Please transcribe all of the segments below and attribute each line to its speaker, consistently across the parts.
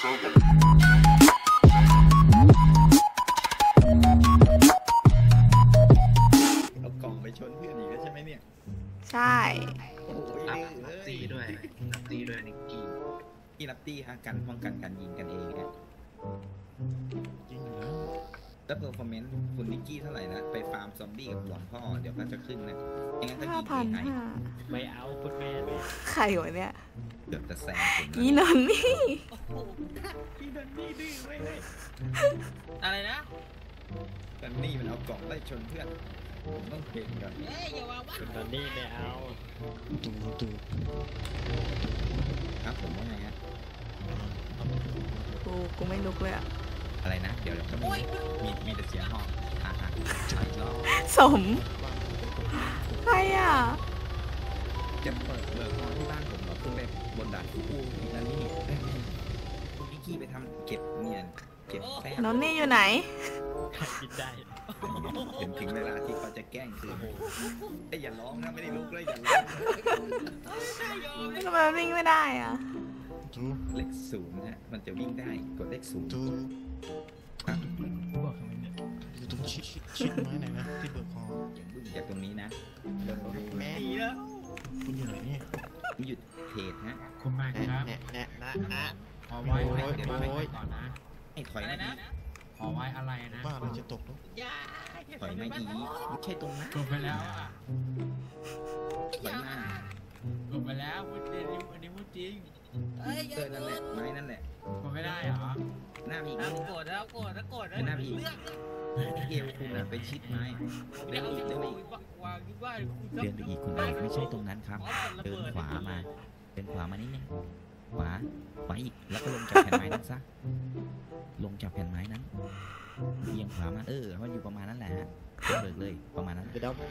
Speaker 1: เอากล่องไปชนเพื่อนอีกแล้วใช่ไหมเนี่ย
Speaker 2: ใช่
Speaker 1: โอ้ย
Speaker 3: รับตีด้วยรับตีด้วยนิกกี้
Speaker 1: ที่รับตี้ฮะกันป้องกันการยิงกันเองฮะ
Speaker 4: จริงเหรอ
Speaker 1: แล้วเพอร์ฟอร์แมนซ์คุณนิกกี้เท่าไหร่นะไปฟาร์มซอมบี้กับหลวงพ่อเดี๋ยวก็จะขึ้นนะยังไงก็ยิงให้
Speaker 5: ไม่เอาคุณแม่
Speaker 2: ใครวะเนี่ย
Speaker 1: เกือบจะแซงผม
Speaker 2: อีนนนี่
Speaker 5: อีนนนี่ดื้อไว้เลยอะไรนะ
Speaker 1: กันนี่มันเอากล่องไล่ชนเพื่อนต้องเห็นก่อน
Speaker 5: คุณนนนี่ไม่เอา
Speaker 4: ตู
Speaker 1: ครับผมว่าไงฮะ
Speaker 2: กูไม่ลุกเลยอะ
Speaker 1: อะไรนะเดี๋ยวจะมีแต่เสียงห้องอีกรอบ
Speaker 2: สมใครอ่ะ
Speaker 1: จะเปิดเบิกห้องที่บ้านผมเหรอขึ้นไปบนดาดฟ้อีกแล้วนี่คุณนิกกี้ไปทำเก็บเนียนเก็บแป้ง
Speaker 2: นนนี่อยู่ไหน
Speaker 5: กินได้
Speaker 1: ถึงเวลาที่เขาจะแกล้งคือไอ้อย่าร้องนะไม่ได้ลุกเลยอย่าร้อง
Speaker 2: ทำไมวิ่งไม่ได้อ่ะ
Speaker 1: เลข0ฮะมันจะวิ่งได้กดเลข0
Speaker 4: อยู่ตรงชิดไม้ไหนนะที่เบิกคอ
Speaker 1: อย่างบึ้งจากตรงนี้นะ
Speaker 4: แม่คุณอยู่ไหนเนี่ย
Speaker 1: หยุดเพจฮะ
Speaker 5: คุณมาครับ
Speaker 4: นะ
Speaker 5: ขอไว้เดี๋ยวก่อนนะ
Speaker 1: ไอ้ถอยนะ
Speaker 5: ขอไว้อะไรนะ
Speaker 4: บ้านเราจะตกแล้ว
Speaker 1: ถอยมาอีไม่ใช่ตรงนั้น
Speaker 5: จบไปแล้วอ่ะ
Speaker 1: ถอยมา
Speaker 5: จบไปแล้วพูดจริงอันนี้พูดจริง
Speaker 1: นั่นแหละไม้นั่นแหละ
Speaker 5: กดไม่ได้เหรอ
Speaker 1: หน้ามี
Speaker 5: โกรธแล้ว
Speaker 1: หน้ามีเอวคุณไปชิดไม้เดินอีกคุณไม่ใช่ตรงนั้นครับเดินขวามานิดนึงขวาอีกแล้วก็ลงจากแผ่นไม้นั้นซะลงจากแผ่นไม้นั้นเอียงขวามามันอยู่ประมาณนั้นแหละเบิกเลยประมาณนั้น
Speaker 4: ไปดับ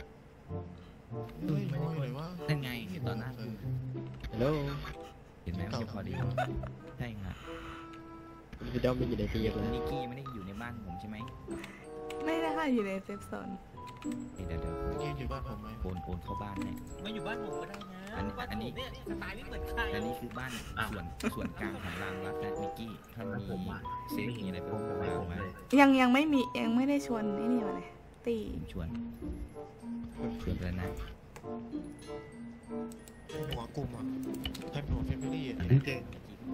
Speaker 1: นั่นไงตอนนั้น
Speaker 4: ฮัลโหล
Speaker 1: เห็นไหมว่าพอดีใช่ครับ
Speaker 4: ไปดับไม่อยู่ในที่
Speaker 1: คุณนิกกี้ไม่ได้อยู่ในบ้านผมใช่ไหม
Speaker 2: ไม่ได้ค่ะอยู่ในเซฟโซน
Speaker 1: เดี๋ยว
Speaker 4: นิกกี้อยู่บ้านผมไหม
Speaker 1: โอนเข้าบ้านเนี่ย
Speaker 5: ไม่อยู่บ้านผมก็ได้นะ
Speaker 1: อันนี้
Speaker 5: สไตล์ไม่เหมือนใคร
Speaker 1: อันนี้คือบ้านส่วนกลางของรางวัดนะนิกกี้ถ้ามีเซฟมีอะไรเพิ่มเติมมา
Speaker 2: ยังไม่มียังไม่ได้ชวนไอ้นี่มาเลยตี
Speaker 1: ชวนเลยนะ
Speaker 4: หัวกลุ่มอ่ะแทบหัวเฟมิลี่อ่ะ
Speaker 3: เก่ง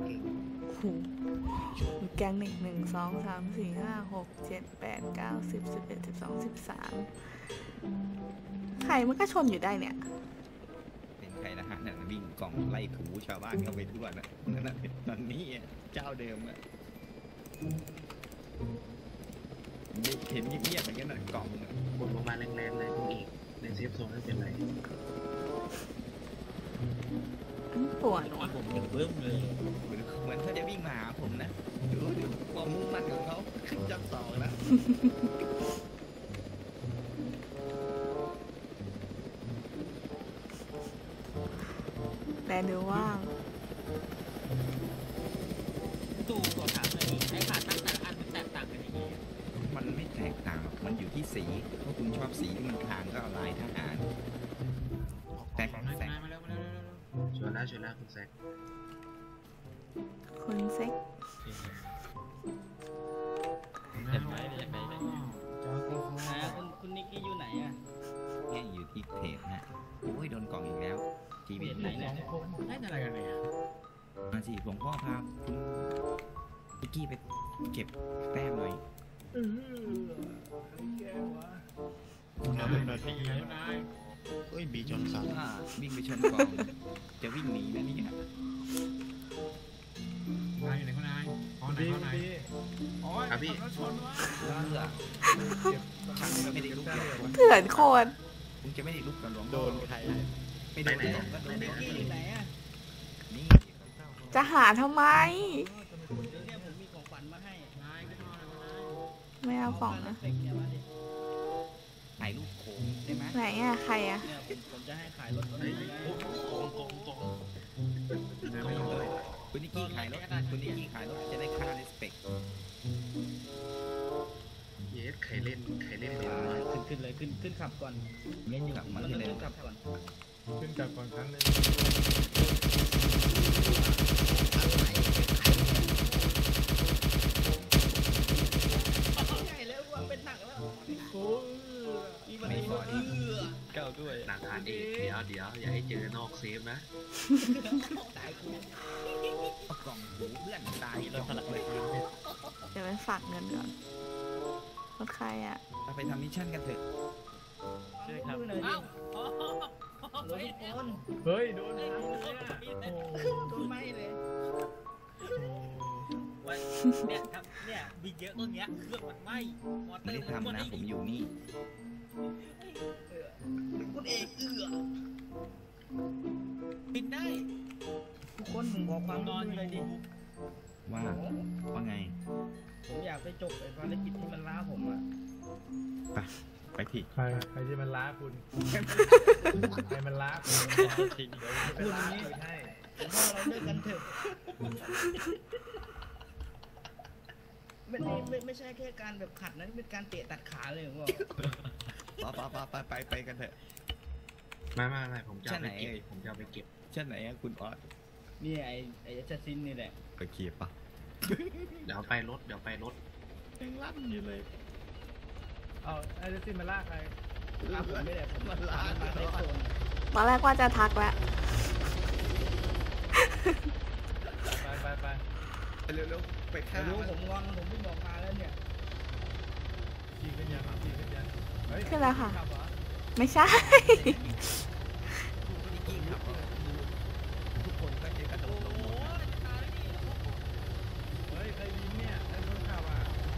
Speaker 2: มีแกง1 2 3 4 5 6 7 8 9 10 11 12 13ใครมันก็ชนอยู่ได้เนี่ย
Speaker 1: เป็นใครนะฮะนั่นวิ่งกล่องไล่ถูชาวบ้านเข้าไปทั่วนะนั่นนี่เจ้าเดิมอะเห็นเงียบๆอย่างนี้หน่อยกล่อง
Speaker 3: บนลงมาแรงๆเลยคุณอีกในเซฟโซนไม่เป็นไร
Speaker 2: ปวด
Speaker 5: ผมยังเบิ่มเลย
Speaker 1: เหมือนเขาจะวิ่งมาหาผมนะดูความมุ่งมั่นของเขาขึ้นจับ2แล้ว
Speaker 2: แต่ดูว่าง
Speaker 5: ตู้ก่อนถามเลยไอ้ขาตั้งแต่ละอันมันแตกต่างกันยังไง
Speaker 1: มันไม่แตกต่างหรอกมันอยู่ที่สีถ้าคุณชอบสีที่มันทางก็เอาลายทหารแต่
Speaker 5: มาแล้ว
Speaker 3: ชวนแล้วคุณแซค
Speaker 5: เห็นไหมอยากไปไหนคุณนิกกี้อยู่ไหนอ่ะ
Speaker 1: เนี่ยอยู่ที่เพจนะโอ้ยโดนกล่องอีกแล้วทีวี
Speaker 5: ไหนเนี่ยได้อะไรกันเนี่ย
Speaker 1: มาสิหลวงพ่อพาคุณนิกกี้ไปเก็บแต้มหน่อย
Speaker 4: คุณน้าเป็นแบบนี้ไงบีจนสั่น
Speaker 1: วิ่งไปชนกล่องจะวิ่งหนีนะนี่ฮะ
Speaker 5: นายอยู่ไหนคุณนายไหน
Speaker 3: ครับพี่
Speaker 1: ไม่ได้ลุก
Speaker 2: เถื่อนโคตร
Speaker 1: คุณจะไม่ได้ลุกกับหลวง
Speaker 4: โดนใคร
Speaker 1: ไม่ได้ก็โดนนิกกี้ไหนอ่ะนี่
Speaker 2: จะหาทำไม
Speaker 5: ผมมีของขวัญมาให้
Speaker 2: ไม่เอาของนะ
Speaker 1: ถ่ายรูปโค้งได้ไหม
Speaker 2: ไหนอ่ะใครอ่ะ
Speaker 5: ผมจะให้ขายรถ
Speaker 1: คุณนิกกี้ขายรถจะได้ค่าเลสเปก
Speaker 3: เยสใครเล่น
Speaker 5: ขึ้นเลยขึ้นขับก่อน
Speaker 1: เล่นอยู่กับมันเลย
Speaker 5: ขึ้นขับก่อน
Speaker 4: ครั้งนึง
Speaker 5: ด้วย
Speaker 3: หลังคานเอกเดี๋ยวอย่าให้เจอนอกเซฟนะ
Speaker 5: ตายกู
Speaker 1: เอากล่องหูเพื่อนตาย
Speaker 5: เราสลักเลย
Speaker 2: เดี๋ยวไปฝากเงินก่อนรถใครอ่ะ
Speaker 1: เราไปทำมิชชั่นกันเถอะ
Speaker 5: ใช่ครับ
Speaker 6: เอ้า
Speaker 5: รถทุกคน
Speaker 4: เฮ้ยโดน
Speaker 5: โดนไหมเลย
Speaker 6: เนี่ยครับเนี่ยมีเยอะตรงเนี้ยเครื่องมันไหม้มอเตอ
Speaker 1: ไม่
Speaker 6: ร์
Speaker 1: ได้ทำนะผมอยู่นี่
Speaker 5: คุณเอก
Speaker 6: บินได้
Speaker 5: ทุกคนผมขอความร่วมมือเลยดิ
Speaker 1: ว่าไง
Speaker 5: ผมอยากไปจบไอ้ภารกิจที่มันล้าผมอ่ะ
Speaker 1: ไปผิด
Speaker 4: ใครที่มันล้าคุณใครมันล้าคุณเป็นล้าคุณให้
Speaker 5: ผมว่าเราเลิกกันเถอะไม่ใช่แค่การแบบขัดนะเป็นการเตะตัดขาเลยผมบอก
Speaker 1: ไปกันเถอะ
Speaker 3: ไม่ผมจะเอาไปเก็บ
Speaker 1: ใช่ไหน
Speaker 3: ผมจะเอาไปเก็บ
Speaker 1: เช่นไหนอะคุณออส
Speaker 5: นี่ไอ้แอสซัสซินนี่แหละ
Speaker 1: โอเคปะ
Speaker 3: เดี๋ยวไปรถ
Speaker 1: ยังลั่นอยู่เลย
Speaker 4: เอาไอ้เจสซี่มันลากใคร
Speaker 5: ครับผมไม่ได้ผมมาล้ามาในโซน
Speaker 2: ตอนแรกว่าจะทักแล้ว
Speaker 4: ไป
Speaker 1: เร็วๆไปฆ่า
Speaker 5: ไม่รู้
Speaker 1: มัน
Speaker 5: ผมงอนผมเพิ่งบอกมาแล้วเนี่ย
Speaker 4: ขี่ขึ้นยังขี่ขึ้นยังเฮ้ย
Speaker 2: ขึ้นแล้วค่ะ
Speaker 4: ขับเหรอ
Speaker 2: ไม่ใช่
Speaker 1: ทุกคนก็จะกระโดดลงหมดนะ
Speaker 4: เฮ้ยใครยิงเนี่ยใครคนขับอ่ะ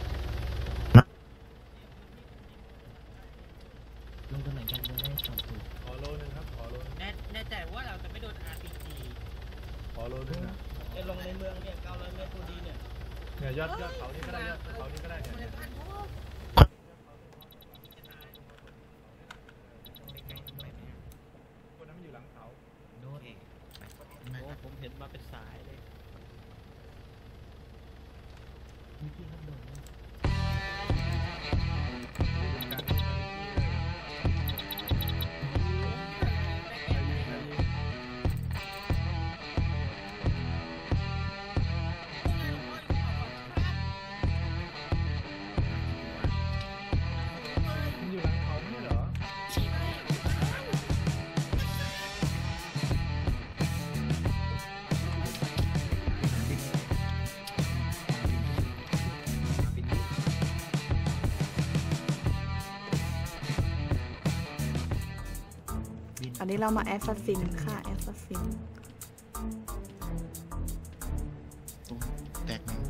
Speaker 1: ลงตรงไหนกันจะได้ตอบถูก
Speaker 4: ขอโลนึงครับขอโลนึง
Speaker 6: แน่ใจว่าเราจะไม่โดน RPG
Speaker 4: ขอโลนึงนะ
Speaker 5: ไอ้ลงในเมืองเนี่ย900 เมตรพอดีเนี่ย
Speaker 4: เนี่ยยอดเขานี่ก็ได้ยอดเขานี่ก็ได้เนี่ยคนนั้นมันอยู่หลังเขา
Speaker 1: โน้ต
Speaker 5: โอ้ผมเห็นมาเป็นสายเลย
Speaker 4: มันอยู่หลังเขาไม่ใช่เหรอ
Speaker 2: อันนี้เรามาแอสซัสซินค่ะแอสซัสซิน
Speaker 4: แตกหนึ่ง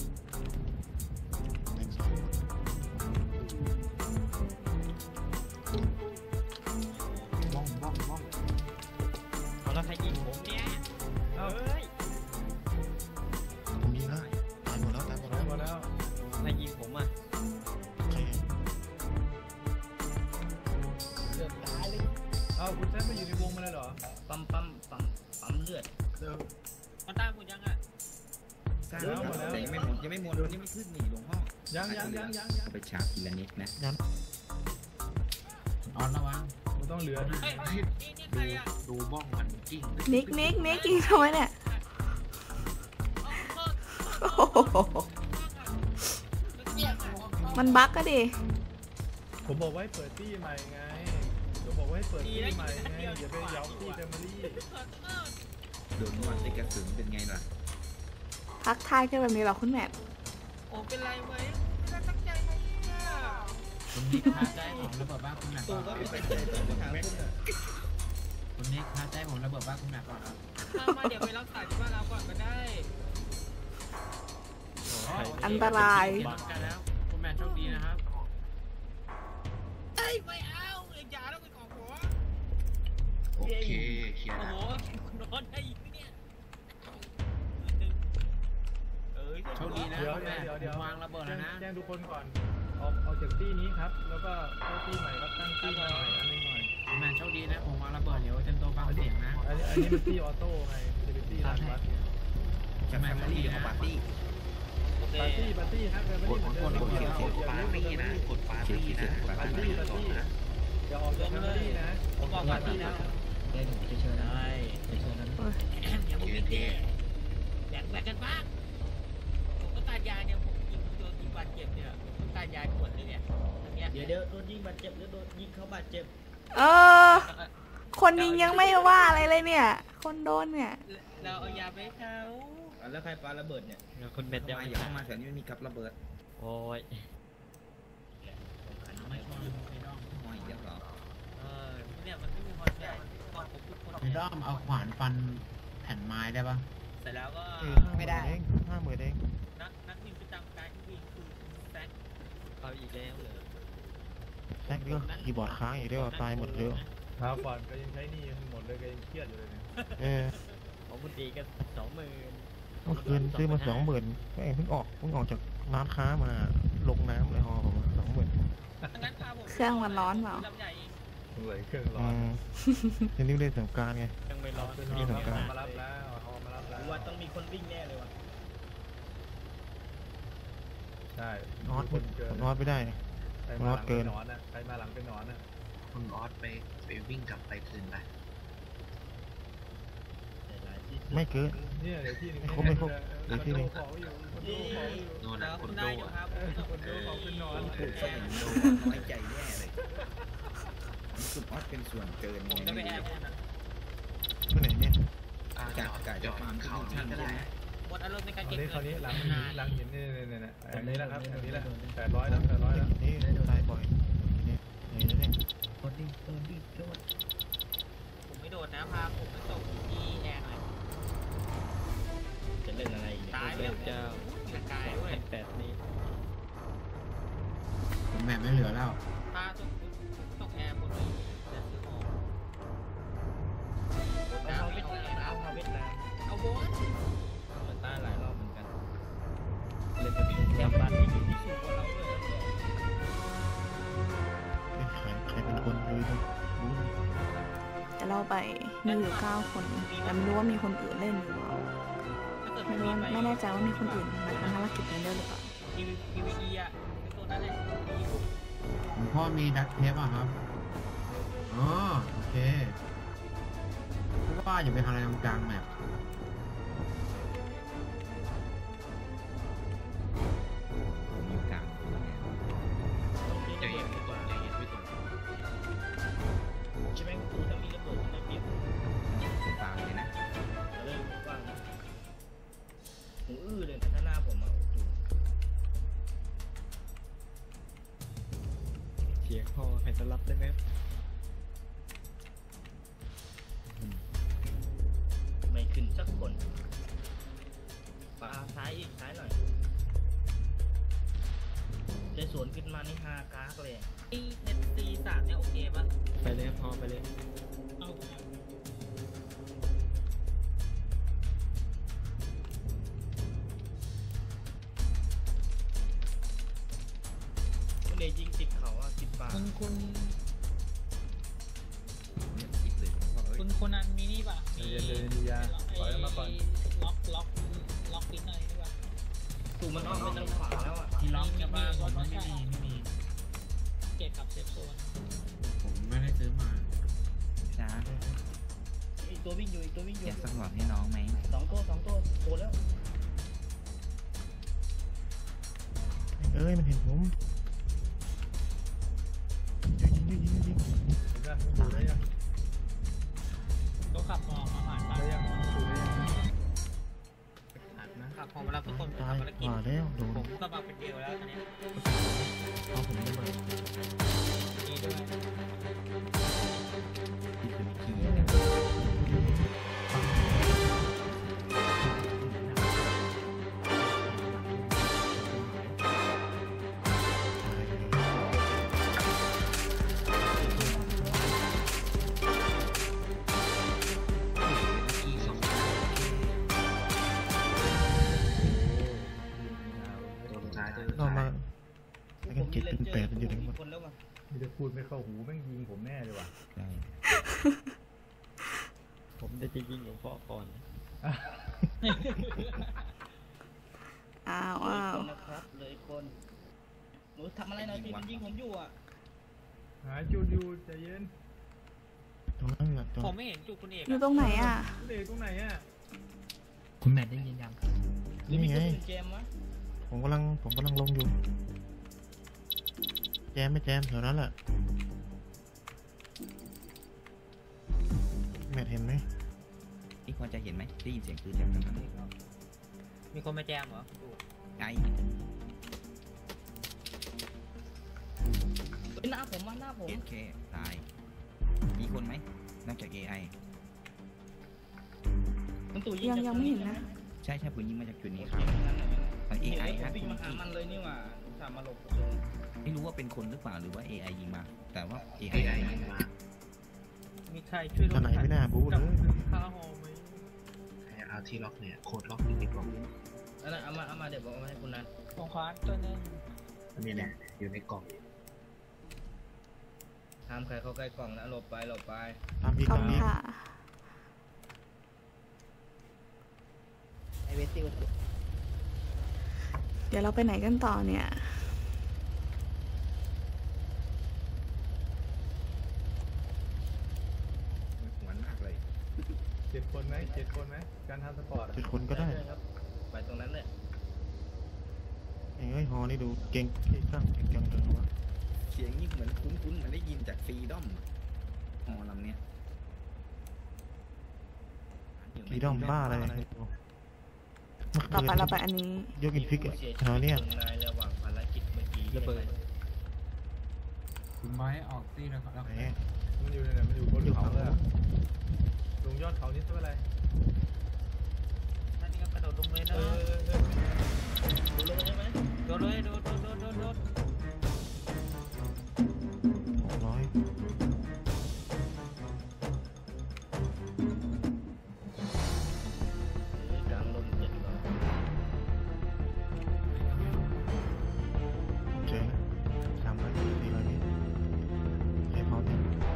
Speaker 4: แตกสอง
Speaker 6: เอาแล้วใครยิงผมเนี่ย
Speaker 4: เอ้า
Speaker 6: เฮ้ย
Speaker 7: ผมยิงแล้วตายหมดแล้วตายหมด
Speaker 4: ตา
Speaker 7: แล้
Speaker 4: ยว หมดแล้ว
Speaker 6: ใครยิงผมอ่ะ
Speaker 7: ใคร
Speaker 5: เกือบตายเลย
Speaker 4: เอ้าคุณแซมมาอยู่ในวงมาเลยเหรอ
Speaker 5: ปั๊มเลือด
Speaker 6: มันตามคุณยังอ่ะ
Speaker 1: สร้างแล้วแต่ยังไม่หมดยังไม่ขึ้นนี่หลวงพ่อ
Speaker 4: ยัง
Speaker 1: เอาไปชาร์จทีละนิดนะ
Speaker 7: ออนระวัง
Speaker 4: มันต้องเหลือนะ
Speaker 6: เฮ้ยนี่ใครอ่ะ
Speaker 3: ดูบ้องมันกิ้ง
Speaker 2: นิกยิงทำไมเนี่ยโอ้โหมันบั๊กก็ดิ
Speaker 4: ผมบอกว่าให้เปิดตี้ใหม่ไงผมบอกว่าให้เปิดตี้ใหม่ไงอย่าไปเย้าตี้แฟมิลี่
Speaker 1: โดนวันได้กระสุนเป็นไงล่ะ
Speaker 2: ทักทายกันแบบนี้เหรอคุณแมท
Speaker 6: โอ้เป็นไรไหมไม่ได้ตั้งใจไหมเนี่ย
Speaker 7: คุณนิกพาใจผมระเบิดบ้านคุณหนัก
Speaker 5: ตู
Speaker 7: ก่อน
Speaker 5: ก็ไม่เป็นใจต้องไปหาคุณอ่ะ
Speaker 7: คุณนิกพาใจผมระเบิดบ้านคุณหนักก่อนครับ
Speaker 6: มาเดี๋ยวไปรักษาที่บ้านเราก่อนก็ได้
Speaker 2: อันตราย
Speaker 7: กันแล้วคุณแม่โชคดีนะครับ
Speaker 6: เฮ้ยไม่เอาอย่าต้องไปขอหัว
Speaker 3: โอเคเคลียร์
Speaker 6: โอ้
Speaker 3: แล้ว
Speaker 6: โหคุณนอนได้อีกเนี่ยเอ้ย
Speaker 7: โชคดีนะ
Speaker 4: เดี๋ยว
Speaker 7: คุณแม่
Speaker 4: เดี๋ยว
Speaker 7: ผมวางระเบิดแล้วนะ
Speaker 4: แจ้งทุกคนก่อนออกจากตี้นี้ครับแล้วก็เข้าตี้ใหม่ครับตั้งตี้ใหม่อันนึงหน่อย
Speaker 7: คุณแม่โชคดีนะผมวางระเบิดเดี๋ยวเต็มตัวฟังเสียงนะ
Speaker 4: อันนี้มันตี้ออโต้ไงจะเป็นตี้รันวัด
Speaker 1: จะแฟมิลี่เอาปาร์ตี้
Speaker 4: ปาร์ตี้ครับแฟมิลี่เหมือนเดิม
Speaker 3: กดปาร์ตี้นะกดปาร์ตี้นะกดปาร์ตี้ก่อนนะ
Speaker 4: อย่าออกจากแฟมิลี่นะ
Speaker 6: ผมบอกก่อนที่นะ
Speaker 7: ได้ผมจะเชิญได้จะเชิญนั้น
Speaker 6: อย่ามึงมีเต้แบ่งกันบ้างผมต้องการยาเนี่ยผมโดนยิงบาดเจ็บเนี่ยผมต้องการยาด่วนเลยเนี่ยอันเนี้ย
Speaker 5: เดี๋ยวโดนยิงบาดเจ็บหรือโดนยิงเขาบาดเจ็บ
Speaker 2: เออ คนยิงยังไม่ว่าอะไรเลยเนี่ย คนโดนเนี่ย
Speaker 6: เราเอายาไปให้เขา
Speaker 5: แล้วใครปาระเบิดเนี่ยคุณเบ
Speaker 1: เม็
Speaker 5: น
Speaker 1: ด
Speaker 5: จะ
Speaker 1: อย่าเข้ามาแถวนี้มันมีกับระเบิด
Speaker 5: โอ้ย
Speaker 7: ไม่ชอบไอ้ด้อม
Speaker 1: ห้อยเดี๋ยวเหรอ
Speaker 6: เนี่ยมันไม่มีคนใหญ่ก่อนผมพูดคน
Speaker 7: ไอ้ด้อมเอาขวานฟันแผ่นไม้ได้ปะ
Speaker 6: เสร็จแล้วก็
Speaker 8: ไม่ได้50,000เอง
Speaker 6: นักบินประจำการที่วิ่งคือแซค
Speaker 5: เอาอีกแล้วเหรอ
Speaker 8: แท็กนี่ก็คีย์บอร์ดค้างอีกด้วยว่าตายหมดเลย
Speaker 4: คราวก่อนก็ยังใช้หนี่หมดเลยก็ยังเครียดอยู่เลยเนี่ย
Speaker 8: เออ
Speaker 5: ของคุณตีก็20,000
Speaker 8: เมื่อคืนซื้อมา20,000ก็เองเพิ่งออกจากร้านค้ามาลงน้ำเลยฮอผม20,000
Speaker 6: งั้นพาผม
Speaker 2: เครื่องมันร้อนเปล่า
Speaker 6: ลำใหญ่เอง
Speaker 4: เลยเครื่องร้
Speaker 8: อื
Speaker 4: อน
Speaker 8: มทีนี้เล่นสงกรารไง
Speaker 5: ยังไม่ร้อน
Speaker 4: เป็น
Speaker 8: นี่เหมือนกัน
Speaker 4: มารับแล้วเอามารับแล้ว
Speaker 5: ว่าต้องมีคนวิ่งแน่เลยว่ะ
Speaker 4: ใช่
Speaker 8: นอต
Speaker 4: คนเกิน
Speaker 8: นอตไม่ได้
Speaker 4: ใครมาหลังเป็นหนอนนะใครมาหลังเป็นหนอนนะ
Speaker 3: คุณออสไปวิ่งกลับไปคืนไป
Speaker 8: ไม่เกิน
Speaker 4: เนี่ยเดี๋ยวที่นึง
Speaker 8: ไม่ครบเดี๋ยวที่หนึ่ง
Speaker 4: ของอยู่คนดูของอยู่
Speaker 3: โน่น
Speaker 6: แล้
Speaker 3: นะ
Speaker 6: ว
Speaker 3: ค
Speaker 6: คุ
Speaker 3: น
Speaker 6: ณ
Speaker 3: โด
Speaker 6: ได้อยู่ครับ
Speaker 4: คนดูของเป็นหนอน
Speaker 1: พูดซะอย่างนี้น้อยใจแย่เลยคุณออสเป็นส่วนเกิน
Speaker 6: ผมจะไปแอบคุณนะ
Speaker 8: ไปไหนเนี่ย
Speaker 3: จอดเขานี่ก็ได้
Speaker 6: หมดอารมณ์ในการ
Speaker 4: อั
Speaker 6: เก็
Speaker 4: น
Speaker 6: บ
Speaker 4: นี้คราว
Speaker 6: เงิ
Speaker 4: นี้
Speaker 6: น
Speaker 4: หลังหินเนี่ยอันนี้แหละครับอันนี้แหละ800แล้ว800แล้ว
Speaker 8: นี่ตายบ่อยเนี่ยไหนแล้วเนี่ย
Speaker 6: ผมไม่โดดนะพาผมไปส่งที่แอร์หน่อย
Speaker 5: จะเล่นอะไรอีก
Speaker 6: ตายไป
Speaker 5: เล่
Speaker 6: แล้ว
Speaker 5: นเจ้า
Speaker 6: มีกายด้วย
Speaker 5: 8นี้
Speaker 7: ผมแบบไม่เหลือแล้ว
Speaker 6: พาส่งแอร์คนนี้จะซื้อของน้ำไม่ต้องแอร์
Speaker 5: เอาเวียดนาม
Speaker 6: เอาโบน
Speaker 5: มันตายหลายรอบเหมือนกันเล่นแบบทำบ้านที่อยู่ที่สูงกว่าเราด้วยนะเนี่ย
Speaker 8: ใครเป็นคนเลยนะรู้เลย
Speaker 2: แต่เราไปมีอยู่9 คน แต่ไม่รู้ว่ามีคนอื่นเล่นอยู่หรือเปล่า
Speaker 6: ถ้าเกิด
Speaker 2: ไม่
Speaker 6: ไม่
Speaker 2: รู้
Speaker 6: มีไป
Speaker 2: ไม่แน่ใจว่ามีคนอื่นมาทำภารกิจนี้ด้วยหรือเปล่า
Speaker 6: PVE อ่ะเป็นตัวนั้นแหละ
Speaker 7: ผมพ่อมีดักเทปอ่ะครับ อ๋อ โอเคเพราะว่าอย่าไปทำอะไรตรงกลางแมป
Speaker 1: ผมอยู่กลาง
Speaker 3: ใจเย็นไม่ตรงใจเย็นไม่ตรง
Speaker 5: ใช่ไหมคุณถ้ามีระเบิดในเปียก
Speaker 1: ผมฟังเลยนะ
Speaker 5: เริ่มกว้างนะหูอื้อเลยนะถ้าหน้าผมอ่ะโอ้โหเสียงพอให้ต้อนรับได้ไหมไม่ขึ้นสักคนปาซ้ายอีกซ้ายหน่อยใจสวนขึ้นมานี่5 ก๊ากเลย
Speaker 6: NC3 เนี่ยโอเคป่ะ
Speaker 5: ไปเลยพอไปเลย
Speaker 6: เอา
Speaker 5: มันเลยยิงติดเขาอ่ะติดป่า
Speaker 6: คุณ
Speaker 1: เนี่ยจิบเลยผมว่าเอ้ย
Speaker 6: คุณนันมีนี่ป่ะ
Speaker 4: ใจเย็นเลยดียาปล่อยมาก่อน
Speaker 6: ล็อกปิ้นอะไรนี่ป่ะ
Speaker 5: ถูกมันอ้อมไปทางขวาแล้วอ่ะ
Speaker 7: ที่ล็อกใช่ป่ะผมว่าไม่มี
Speaker 6: เก็บกับเซฟโซน
Speaker 7: ผมไม่ได้ซื้อมา
Speaker 1: ช้า
Speaker 5: อีกตัววิ่งอยู่อีกตัววิ่งอยู่
Speaker 1: อยากสักหลอดให้น้องไหม
Speaker 5: 2 ตัวโตแล้ว
Speaker 8: เอ้ยมันเห็นผมยิง
Speaker 4: เห็นป่ะดูได้ยัง
Speaker 6: ก็ขับมองมาผ่านบ้าน
Speaker 4: ได้ยังดูได้ยัง
Speaker 6: ขับพอมาแล้วทุกคน
Speaker 8: ตาย
Speaker 6: ทำภารกิจ
Speaker 8: ว่าแล้วโดน
Speaker 6: ผมก็มาเป็นเดียวแล้วตอนนี้
Speaker 8: เอาผมได้ไหม
Speaker 6: ดีด้วย
Speaker 1: ที่เป็นขี้เนี่ย
Speaker 3: ที่สอง ตัวสุดท้ายตัวสุด
Speaker 8: เรา
Speaker 3: ท้าย
Speaker 8: มาไปกัน7เป็น8มันอยู่ไหนหมด
Speaker 5: คนแล้วว่ะ
Speaker 4: มีแต่พูดไม่เข้าหูแม่งยิงผมแน่เลยว่ะ
Speaker 1: ใช่
Speaker 5: ผมได้จะยิงหลวงพ่อก่อน
Speaker 2: อ้าว
Speaker 5: เลย
Speaker 2: อ้าว
Speaker 5: คนนะครับเลยคนหนูทำอะไรหน่อยสิมันยิงผมอยู่อ่ะ
Speaker 4: หาจูดูใจเย็น
Speaker 8: ตรงนั้นแหละตรง
Speaker 6: ผมไม่เห็นจุดคุณเอก
Speaker 2: อยู่ตรงไหนอ่ะ
Speaker 4: เด็กตรงไหนอ่ะ
Speaker 7: คุณแมทได้ยินยัง
Speaker 5: หรือมี
Speaker 8: นี่
Speaker 5: ค
Speaker 8: ไง
Speaker 5: นอื่นเจมวะ
Speaker 8: ผมกำลังลงอยู่ แจมไม่แจมแถวนั้นแหละเห็นไหม
Speaker 1: นี่พอจะเห็นไหมได้ยินเสียงปืนจากทางนั้น
Speaker 5: มีคนมาแจมเหรอ
Speaker 1: ไกล
Speaker 6: หน้าผมหน้าผม
Speaker 1: เคตายมีคนไหมนอกจาก AI
Speaker 6: มันตู่
Speaker 2: ยังไม่เห็นนะ
Speaker 1: ใช่ปืนยิงมาจากจุดนี้
Speaker 5: โอ
Speaker 1: ค
Speaker 5: เครับ งั้น
Speaker 1: AI
Speaker 5: ผ
Speaker 1: ฮะ
Speaker 5: มวิ่งมาหามันเลยนี่หว่าสามมาหลบ
Speaker 1: ไม่รู้ว่าเป็นคนหรือเปล่าหรือว่า AI ยิงมา แต่ว่า AI ยิงมา
Speaker 5: มีใครช่วยล
Speaker 8: ข
Speaker 5: ง
Speaker 8: นาดไม่น่าบู๊เลย
Speaker 4: ค่าหอไหม
Speaker 3: เอาที่ล็อกเนี่ยโคดล็อกอยู่ในกล่อง
Speaker 5: นั่นเอามาเดี๋ยวบอกเอามาให้คุณนัท
Speaker 6: ตรงขวาตัวนึง
Speaker 3: อันนี้เนี่ยอยู่ในกล่อง
Speaker 5: ห้ามใครเข้าใกล้กล่องนะหลบไป
Speaker 8: ตามพี่
Speaker 2: ขอ
Speaker 8: ตา
Speaker 2: บ
Speaker 8: ม
Speaker 2: คุณ
Speaker 8: นี้
Speaker 2: ค่ะ
Speaker 6: ไอเวสติว
Speaker 2: เดี๋ยวเราไปไหนกันต่อเนี่ย
Speaker 1: หวนมากเลย
Speaker 4: 7 คนไหมการทำสปอร์ตอะ
Speaker 8: เป็นคนก็ได้
Speaker 5: ครับไปตรงนั้นเลย
Speaker 8: เอ้ยฮอนี่ดูเก่งสร้างเก่งจังเลยวะ
Speaker 1: เสียงนี่เหมือนคุ้นๆเหมือนได้ยินจากฟรีดอมฮอลำเนี้ย
Speaker 8: ฟีดอมบ้าอะไร
Speaker 2: ต่อไปเราไปอันนี้
Speaker 8: ยกอินฟิกอะ
Speaker 5: เสียชี
Speaker 8: แถวเนี้ย
Speaker 5: วิตหงนายระหว่างภารกิจเมื่อกี้ระเบิด
Speaker 7: คุณไม้ออกตีแล้วครับ
Speaker 8: ไหน
Speaker 4: มันอยู่ในไหนมันอยู่บนเขาเลยอะลงยอดเขานี่เท่าไหร่
Speaker 6: นั่นนี่ก็กระโดดลงเลยนะ
Speaker 5: ดูเลยใช่ไหม
Speaker 6: โดดเลยโดด
Speaker 8: 600
Speaker 5: กลางลมเจ็ดร้อย
Speaker 8: เจ๊300 400 เมตรใช้พอดี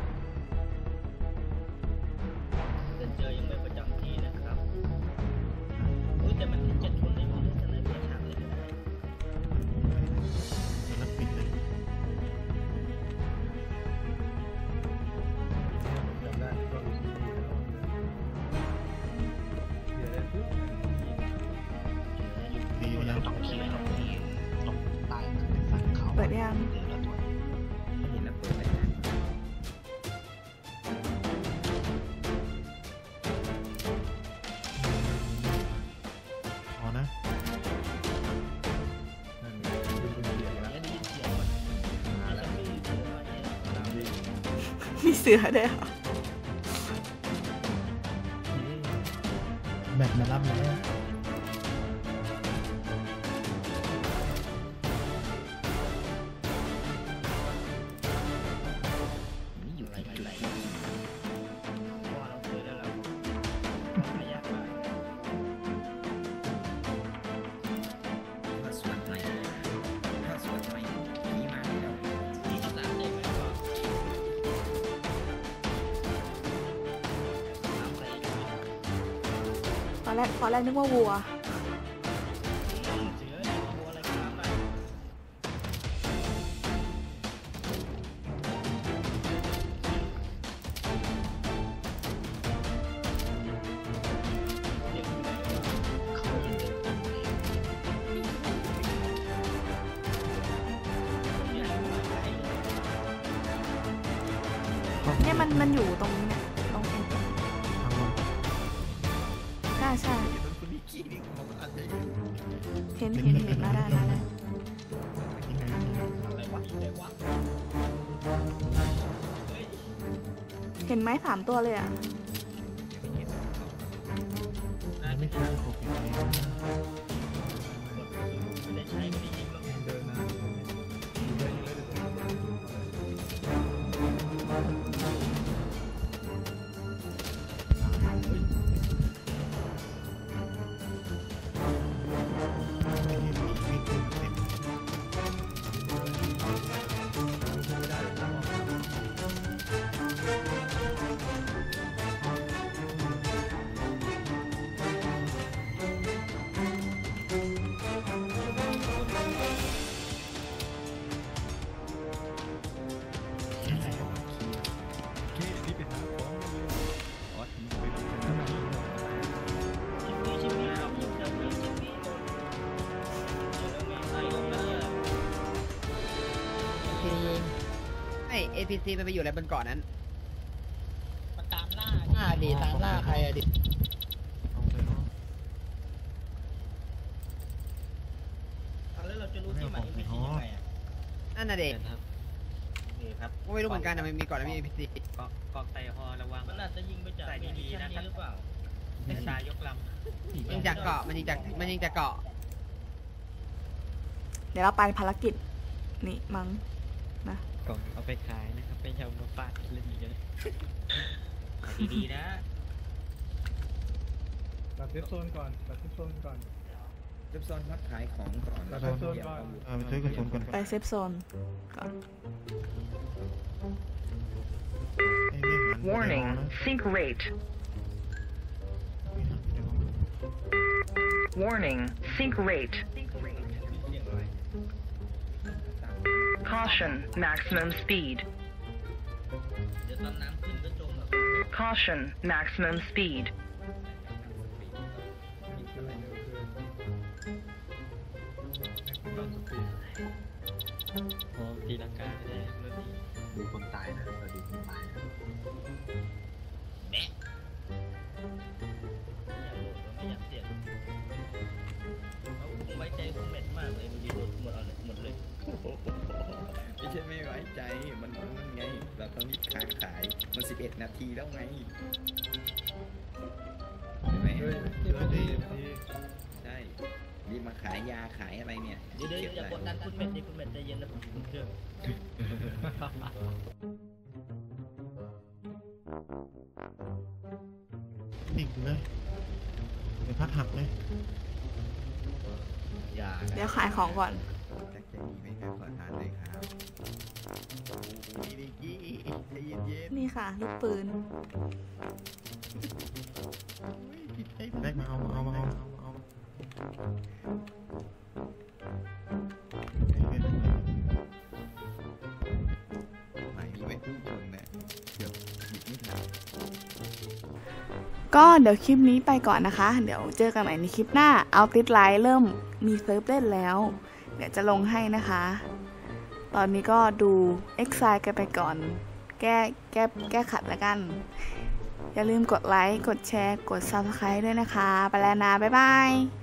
Speaker 5: เซนเจอร์ยังไม่ประจำที่นะครับแต่มันที่7 คนได้หมดเลยแต่ในเบียร์ทางเลยก็ได้
Speaker 8: แล้วปิดเลย
Speaker 4: จำได้ก็รู้สึกดีนะเดี๋ยวเลยปุ๊บ
Speaker 8: ดีแล้ว
Speaker 3: ต้องขี่ตรงที่ตรงใต้สันเขา
Speaker 2: เปิดยัง
Speaker 3: เดี๋ยวเราตรวจ
Speaker 1: ไม่เห็นแล้วเปิดเลยนะ
Speaker 8: พอนะ
Speaker 4: นั่นไงเป็นเสียงแล้ว
Speaker 5: ได้ยินเสียงมันมาแล้วมีเสือมาเนี่ยตามดิ
Speaker 2: มีเสือด้วยเหรอ
Speaker 8: แบตมารับแล้ว
Speaker 1: นี่อยู่ที่จุด
Speaker 5: เพราะว่าเราเคยแล้วเราไม่ยากมาก
Speaker 1: พาสเวิร์ดใหม่นี่มาแล้ว
Speaker 5: ที่สามได้ไหมก็ตามไป
Speaker 2: ตอนแรกนึกว่าวัว
Speaker 5: เสือเนี่ยตัวอะไรก็ตามได้เดี๋ยวคุณได้ว่า
Speaker 3: เขายังเดินตรงไป
Speaker 5: เนี่ยไม่ได้
Speaker 2: เนี่ยมันอยู่ตรงเนี้ยตรงเอ็น
Speaker 8: ทางลง
Speaker 2: ใช่
Speaker 1: คุณนิกกี้นี่ผมอาจจะ
Speaker 2: เห็นมาได้
Speaker 8: ยังไง
Speaker 5: อะไรวะอะไรวะเฮ้ย
Speaker 2: เห็นไหม3 ตัวเลยอ่ะ
Speaker 8: ไม่ใช่โอเค
Speaker 5: ไม่ได้ใช้ไม่ได้ยิงหรอก
Speaker 4: เดินนะอยู่ได้อยู่ได้แต่ตรงนี้
Speaker 8: ไม่เห็นมีไม่ขึ้นเต็ม
Speaker 4: ไม่ได้เลยครับ
Speaker 1: ออส
Speaker 5: ชิมมี่เอาอยู่เจ้าเพื่อนชิมมี่แล้วไงใส่ลงมาเนี่ย
Speaker 6: ไอ APC มันไปอยู่อะไรบนเกาะนั้น
Speaker 9: มันตามล่า
Speaker 6: อ่าดิ
Speaker 8: ตามล่าใครอะดิเอาไปเนาะ
Speaker 5: แล้วเราจะรู้ที่ใหม่ไม่ใช่ยังไงอ่ะ
Speaker 9: นั่นน่ะเด็ก
Speaker 5: นี่ครับ
Speaker 9: ไม่รู้เหมือนกันนะมันมีก่อนแล้วมี NPC
Speaker 3: กอกไตฮอระวัง
Speaker 5: มันอาจจะยิงไปจากมิชชั่นนี้หรือเปล่า
Speaker 3: ตายยกล
Speaker 9: ยิงจากเกาะมันยิงจากเกาะ
Speaker 2: เดี๋ยวเราไปภารกิจนี่มั้งนะ
Speaker 3: ำกล่องเอาไปขายนะครับไปเอามาฟาดเล่นกันดีๆนะ
Speaker 4: ตัดเซฟโซนก่อนตัดเซฟโซนก่อน
Speaker 1: เริ่มซ้อนครับขายของก่อน
Speaker 4: ตั
Speaker 1: แล้
Speaker 4: ด
Speaker 1: ว
Speaker 4: เซ
Speaker 1: ก็
Speaker 4: ฟโซน
Speaker 1: เดี๋ยว
Speaker 4: ก่อน
Speaker 1: เอา
Speaker 8: ไปซื้อกระสุนก่อน
Speaker 2: ไปเซฟโซนก่อน
Speaker 8: ไอ้เรื่องนั้น
Speaker 10: Warning, sink rate. Warning, sink rate. Caution, maximum speed.
Speaker 5: เดี๋ยวตอนน้ำขึ้นก็จมแบบ
Speaker 10: Caution, maximum speed.
Speaker 3: โอ้ตีลังกาไม่ได้เรื่องนี้
Speaker 7: ดูคนตายนะเราดูคนตายนะ
Speaker 5: ไม่อยากโหลดแล้วไม่อยากเสี่ยงผมไว้ใจคุณเม็ดมากเลยมันยืนหมดเลย
Speaker 1: ไม่ใช่ไม่ไว้ใจมันไงเราต้องรีบขายมัน11 นาทีแล้วไงเห็นไหม
Speaker 4: เฮ้ยเดี๋ยวดี
Speaker 1: ใช่รีบมาขายยาขายอะไรเนี่ย
Speaker 5: เดี๋ยวอย่ากดดันคุณเม็ดดิคุณเม็ดใจเย็นนะคุณเครื่อง
Speaker 8: ดิ่งเลยเดี๋ยวพัดหักเลย
Speaker 1: ยา
Speaker 2: เดี๋ยวขายของก่อน
Speaker 1: แจ็คใจดีไหมครับขอทานเลยครับโอ้ยดิกี้ใจเย็น
Speaker 2: นี่ค่ะลูกปืน
Speaker 8: แรกมาเอา
Speaker 1: ๆหมายนี้ไว้พุ่งชนนะเกือบหยิบไม่ทัน
Speaker 2: ก็เดี๋ยวคลิปนี้ไปก่อนนะคะ เดี๋ยวเจอกันใหม่ในคลิปหน้า เอาติดไลน์เริ่มมีเซิร์ฟเล่นแล้ว เดี๋ยวจะลงให้นะคะ ตอนนี้ก็ดูเอ็กไซกันไปก่อน แก้ขัดแล้วกัน อย่าลืมกดไลค์ กดแชร์ กด Subscribe ด้วยนะคะ ไปแล้วนะ บ๊ายบาย